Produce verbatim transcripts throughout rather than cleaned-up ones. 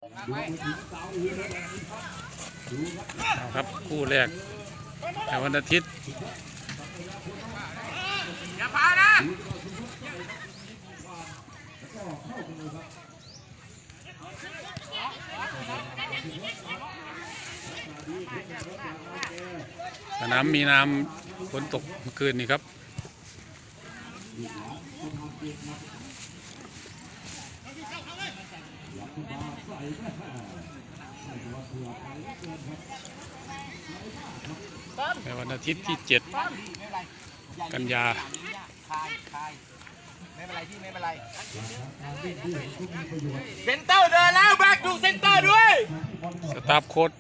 ครับคู่แรกแต่วันอาทิตย์อย่าพานะสนามมีน้ำฝนตกเมื่อคืนนี้ครับในวันอาทิตย์ที่เจ็ดกันยาไม่เป็นไรที่ไม่เป็นไรเซนเตอร์เดินแล้วแบกดูเซนเตอร์ด้วยสตาฟโค้ช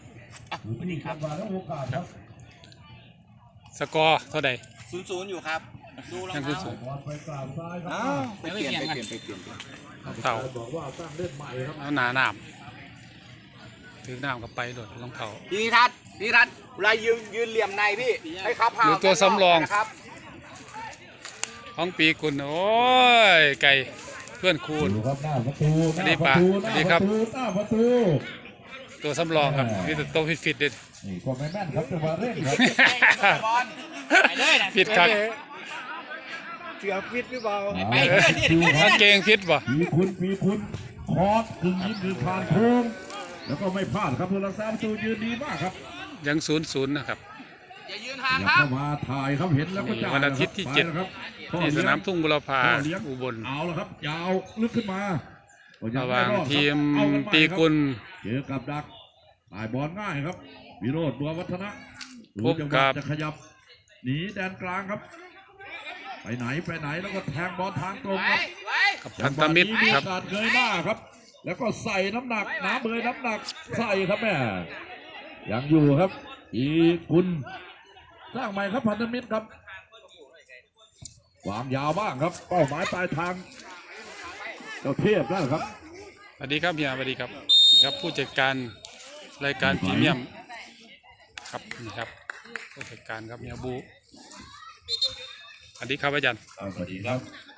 สกอร์เท่าไหร่ศูนย์ศูนย์อยู่ครับดูรองเท้าไปเปลี่ยนไปเปลี่ยนไปเปลี่ยนเต่าแล้วหนาหนามถือหนามกับไปโดดรองเท้าพี่ทัศน์พี่ทัศน์เวลายืนยืนเหลี่ยมในพี่ให้เขาพาอยู่ตัวสำรองครับห้องปีกุลโอ้ยไก่เพื่อนคูณอันนี้ป่ะอันนี้ครับตัวสำรองครับมีแต่ตัวฟิตๆเด็ดนี่ก็ไม่แม่นครับจังหวะเร่งครับฟิตครับเสือฟิตหรือเปล่าถ้าเก่งฟิตป่ะปีคุณปีคุณคอร์สกึ่งยิงคือผ่านโค้งแล้วก็ไม่พลาดครับผู้รักษาประตูยืนดีมากครับยังศูนย์ศูนย์นะครับอย่ายืนห่างครับเข้ามาถ่ายครับเห็นแล้วก็จ่ายวันอาทิตย์ที่เจ็ดที่สนามทุ่งบุรพาอุบลเอาละครับยาวลึกขึ้นมาระหว่างทีมปีกุลเจอกับดักถ่ายบอลง่ายครับวิโรจน์บัววัฒนะพบกับจะขยับหนีแดนกลางครับไปไหนไปไหนแล้วก็แทงบอลทางตรงครับกับพันธมิตรครับการเงยหน้าครับแล้วก็ใส่น้ำหนักน้ำเบยน้ำหนักใส่ครับแม่ยังอยู่ครับอีคุณสร้างใหม่ครับพันธมิตรครับวางยาวบ้างครับเป้าหมายปลายทางเจ้าเทพนั่นครับสวัสดีครับเฮียสวัสดีครับครับผู้จัดการรายการพรีเมียมครับนี่ครับผู้จัดการครับเฮียบูสวัสดีครับอาจารย์สวัสดีครับ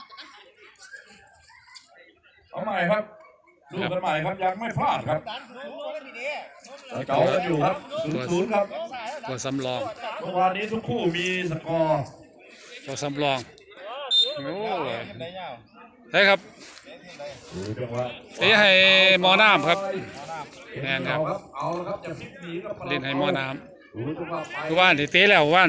เอาใหม่ครับดูกันใหม่ครับยังไม่พลาดครับเก่ากันอยู่ครับศูนย์ศูนย์ครับตัวสำรองเมื่อวานนี้ทุกคู่มีสกอร์ตัวสำรองโอ้ยใช่ครับเอ้ให้หมอน้ำครับแน่นครับเล่นให้หมอน้ำคือว่านที่เตะแล้วว่าน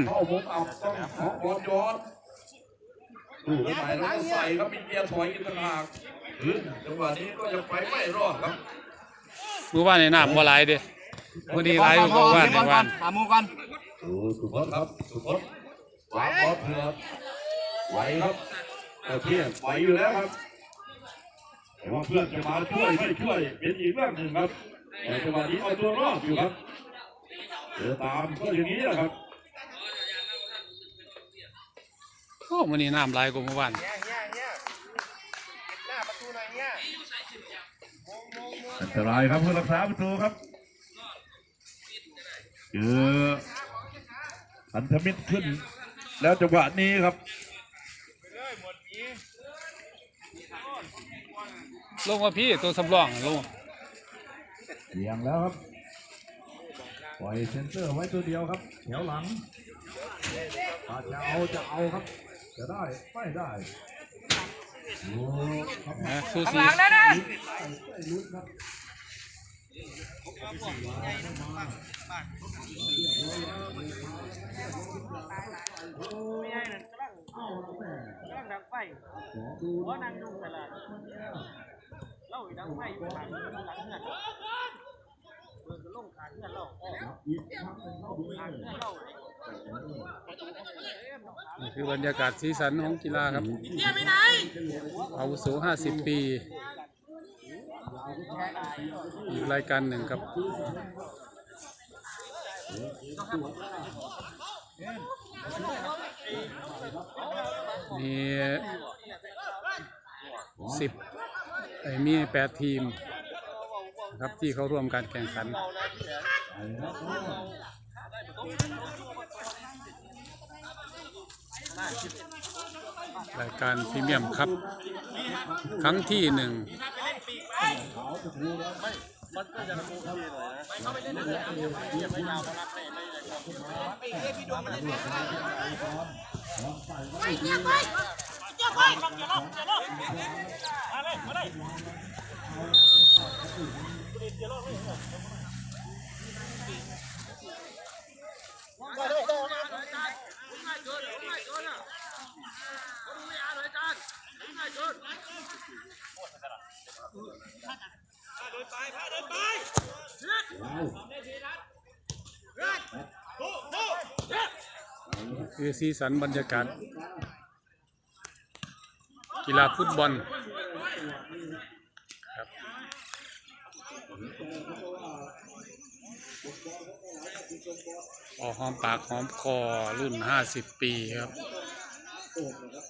ดูกันใหม่แล้วก็ใส่ครับมีเกียร์ถอยอีกต่างหากจังหวะนี้ก็ยังไปไม่รอดครับมือว่านในน้ำบ่ไหลเด้มือดีไหลอยู่ก็ว่านในว่านหามูกันดูสุพจน์ครับสุพจน์วางบอลเผือกไหวครับเทียบไหวอยู่แล้วครับแต่ว่าเพื่อนจะมาช่วยไม่ช่วยเป็นอีกเรื่องหนึ่งครับแต่จังหวะนี้เอาตัวรอดอยู่ครับเดินตามก็อย่างนี้แหละครับโอ้มันนี่น้ำไหลกว่าเมื่อวานอันตรายครับผู้รักษาประตูครับเจอพันธมิตรขึ้นแล้วจังหวะนี้ครับลงมาพี่ตัวสำรองลงเสียงแล้วครับปล่อยเซนเซอร์ไว้ตัวเดียวครับแถวหลังอาจจะเอาจะเอาครับจะได้ไม่ได้สู้สีหลังแล้วนะไม่ให้นั่นกำลังกำลังดังไฟหัวนั่งนุ่งตลาดเล่าดังไฟอยู่หลังหลังเงินเปิดลงขาเงินเรานี่คือบรรยากาศสีสันของกีฬาครับอาวุโสห้าสิบปีอีกรายการหนึ่งครับมีสิบมีแปดทีมครับที่เขาร่วมการแข่งขันรายการพรีเมียมครับครั้งที่หนึ่งมันก็จะโอเคหน่อยนะไปเข้าไปเล่นเลยนะอย่าไปยาวมารับเลยไม่ได้ไปเล่นพี่ดวงมาเล่นเล่นไปเยี่ยมไปเยี่ยมไปอย่าลบอย่าลบมาเลยมาเลยอย่าลบเลยได้ได้ได้ได้จานง่ายเกินง่ายเกินอ่ะเขาดูไม่อ่านเลยจานง่ายเกินเดินไปพาเดินไปคือสีสันบรรยากาศกีฬาฟุตบอลครับพอหอมปากหอมคอรุ่นห้าสิบปีครับ